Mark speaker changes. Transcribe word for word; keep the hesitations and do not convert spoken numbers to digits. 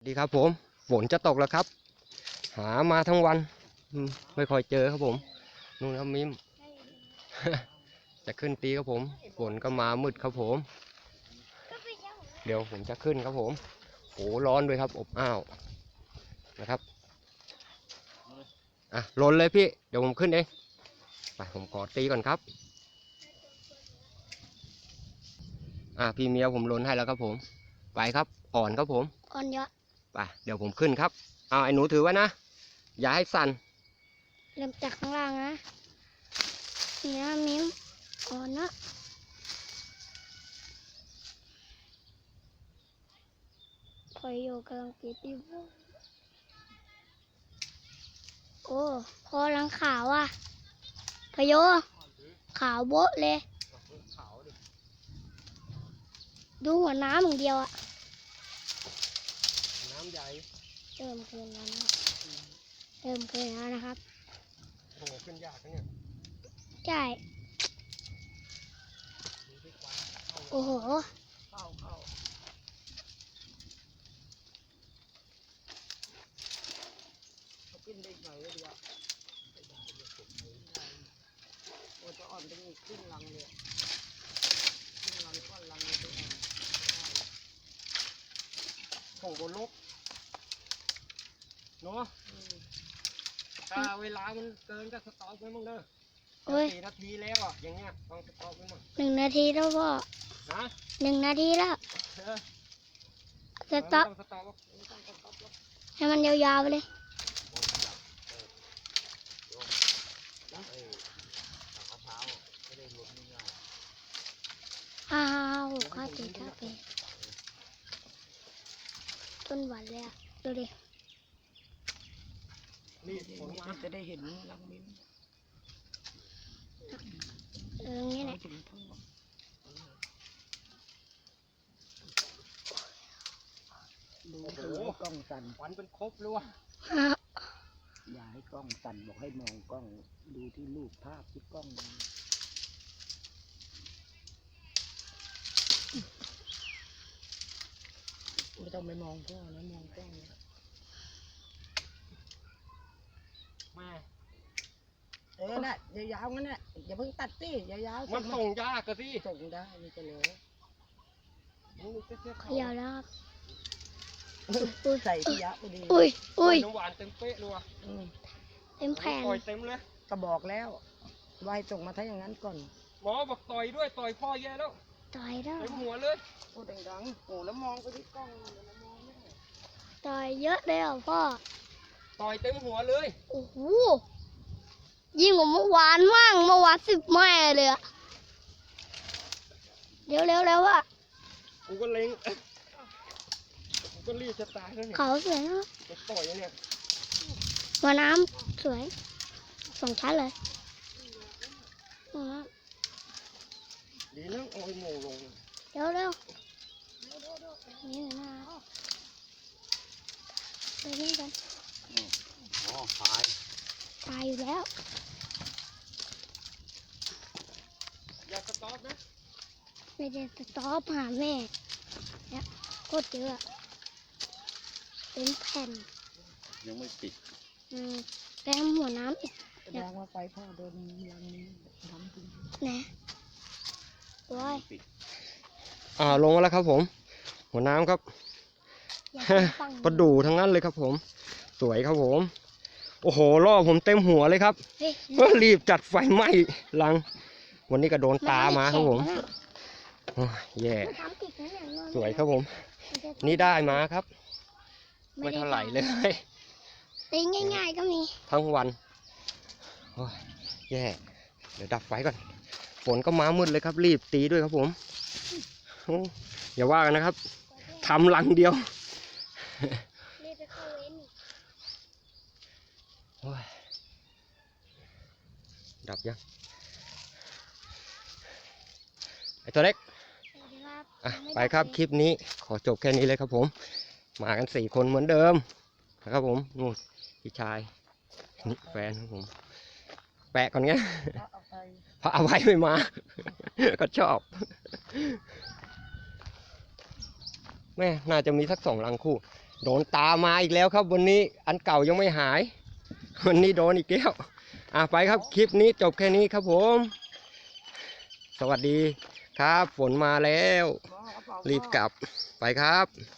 Speaker 1: ดีครับผมฝนจะตกแล้วครับหามาทั้งวันไม่ค่อยเจอครับผมนู่นครับมิม จะขึ้นตีครับผมฝนก็มามืดครับผมเดี๋ยวผมจะขึ้นครับผมโหร้อนด้วยครับอบอ้าวนะครับอ่ะลนเลยพี่เดี๋ยวผมขึ้นเองไปผมขอตีก่อนครับอ่ะพี่เมียผมลนให้แล้วครับผมไปครับอ่อนครับผม
Speaker 2: อ่อนเยอะ
Speaker 1: ไปเดี๋ยวผมขึ้นครับเอาไอ้หนูถือไว้นะอย่าให้สั่น
Speaker 2: เริ่มจากข้างล่างนะเนี่ยมิ้มอ่อนนะคอยอยู่กำลังกินอยู่โอ้พอลังขาวอ่ะพะโยขาวโบ๊ะเลยดูหัวน้ำอย่างเดียวอ่ะ
Speaker 1: น้ำใหญ่
Speaker 2: เริ่มขึ้นแล้วนะครับเริ่มขึ้นแล้วนะครับ
Speaker 1: โอ้ขึ้นยากนะเนี่ย
Speaker 2: ใช่โอ้โห
Speaker 1: เข้าเข้าเขาขึ้นได้หน่อยเลยดีกว่าโอ้จะอ่อนเป็นครึ่งลังเลยครึ่งลังก้อนลังเลยตัวอ่อนโอ้โหลกเนาะถ้าเวลามันเกินก็สต็อปไว้มั่งเด้อสี่นาทีแล้วอ่ะอย่างเงี้ยต้องสต็อปไว้มั่ง
Speaker 2: หนึ่งนาทีแล้วพ่อ
Speaker 1: นะ
Speaker 2: หนึ่งนาทีแล้วสต็อปให้มันยาวๆไปเลยอ้าวข้าติดข้าเป็นต้นหวานเลยอ่ะดูดิ
Speaker 1: นี่ผมจะได้เห็นลังมิ้น
Speaker 2: เอองี้แหละ
Speaker 3: ดูให้กล้องสั่น
Speaker 1: ควันเป็นครบเลยว่ะ
Speaker 3: อย่าให้กล้องสั่นบอกให้มองกล้องดูที่รูปภาพที่กล้องไม่ต้องไปมองพ่อนะมองกล้อง
Speaker 1: แม่
Speaker 3: เออน่ะยาวๆงั้นน่ะอย่าเพิ่งตัดสิยาว
Speaker 1: ๆมันส่งยากกะสิ
Speaker 3: ส่งได้นี่จะเหลือ
Speaker 2: ขยาวแล้วครับ
Speaker 3: ใส่ที่ยะพอดี
Speaker 2: อุ้ยอุ้ย
Speaker 1: น้ำหวานเต็มเป๊ะเลยว่ะ
Speaker 2: เต็มแผ่น
Speaker 1: ต่อยเต็มเลย
Speaker 3: ก็บอกแล้ววายส่งมาถ้าอย่างนั้นก่อน
Speaker 1: หมอบอกต่อยด้วยต่อยพ่อแย่แล้ว
Speaker 2: ต่อยแล้ว
Speaker 1: เต็มหัวเลย
Speaker 3: พูดดังๆโอ้แล้วมองไปที่กล้องแล้วมองไม่ได้
Speaker 2: ต่อยเยอะเลยอ่ะพ่อ
Speaker 1: ต่อยเต็มหัวเลย
Speaker 2: โอ้โหยิ่งกว่าเมื่อวานมั่งเมื่อวานสิบแม่เลยอะเร็วเร็วแล้วอะ
Speaker 1: กูก็เล็งกูก็รีบจะตายแล้วเนี่ย
Speaker 2: เขาสวยนะ
Speaker 1: จะต่อยเนี่ย
Speaker 2: หัวน้ำสวยสองชั้นเลย
Speaker 1: ดีนะเอาไอ้โง่ลง
Speaker 2: เร็วเร็วนี่หน้าไปนี่กัน
Speaker 1: อ๋อตาย
Speaker 2: ตายอยู่แล้ว
Speaker 1: อย่าสต็อปนะ
Speaker 2: ไม่ได้สต็อปหาแม่เนี่ยโคตรเยอะเป็นแผ่น
Speaker 1: ยังไม่ปิด
Speaker 2: อืมแต้มหัวน้ำอีก
Speaker 3: แสดงว่าไฟพ่อโดนรังนี้ทำจริง
Speaker 2: นะว้าย
Speaker 1: อ่าลงมาแล้วครับผมหัวน้ำครับประดู่ทั้งนั้นเลยครับผมสวยครับผมโอ้โหล่อผมเต็มหัวเลยครับก็รีบจัดไฟไหม้รังวันนี้ก็โดนตามาครับผมแย่สวยครับผมนี่ได้มาครับไม่เท่าไหร่เลย
Speaker 2: ตีง่ายๆก็มี
Speaker 1: ทั้งวันแย่เดี๋ยวดับไฟก่อนฝนก็มามืดเลยครับรีบตีด้วยครับผมอย่าว่ากันนะครับทำรังเดียวดับยังไอตัวเล็กอ่ะไปครับคลิปนี้ขอจบแค่นี้เลยครับผมมากันสี่คนเหมือนเดิมนะครับผมนู่นพี่ชายนี่แฟนครับผมแปะก่อนเงี้ยพระอภัยไม่มาก็ชอบแม่น่าจะมีสักสองรังคู่โดนตามมาอีกแล้วครับวันนี้อันเก่ายังไม่หาย วันนี้โดนอีกแล้วอ่ะไปครับคลิปนี้จบแค่นี้ครับผม สวัสดีครับฝนมาแล้ว รีบกลับไปครับ